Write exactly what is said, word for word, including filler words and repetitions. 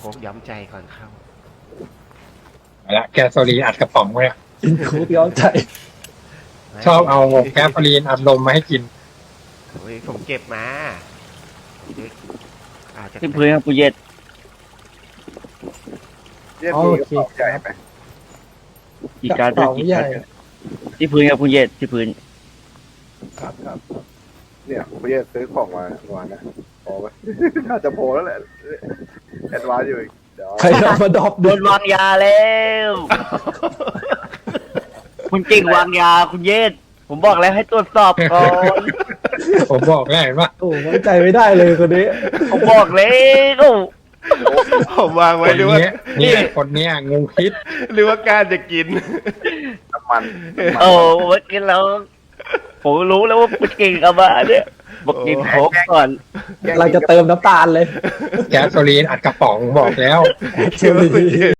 กย้อมใจก่อนเข้าเอาละแกสโซลีนอัดกระป๋องไว้อะกินคุกย้อมใจชอบเอาแก๊สโซลีนอัดลมมาให้กินโอ้ยผมเก็บมาอาจจะที่พื้นครับปูเย็ดเรียกมีกระเป๋าใหญ่ไหมอีกการกระเป๋าอีกใหกาญ่รที่พื้นครับปูเย็ดที่พื้นครับครับเนี่ยผมจะซื้อของมาวันนะพอไหม น่าจะพอแล้วแหละแอดวานซ์อยู่อีกเดี๋ยวใครเอามาดรอปโดดูนวางยาแล้ว คุณเก่งวางยาคุณเย็ดผมบอกแล้วให้ตรวจสอบก่อนผมบอกแล้วเห็นว่าโอ้ไว้ใจไม่ได้เลยคนนี้ผมบอกแล้วผมวางคไว้นหรือว่าเนี้ยเนี่ยคนเนี้ยงูพิษหรือว่าการจะกินน้ำมันน้ำมันโอ้เมื่อกี้แล้วผมรู้แล้วว่าคุณเก่งเอามาเนี่ยบอกกินโค้กก่อนเราจะเติมน้ำตาลเลยแก๊สโซลีนอัดกระป๋องบอกแล้วเชลลี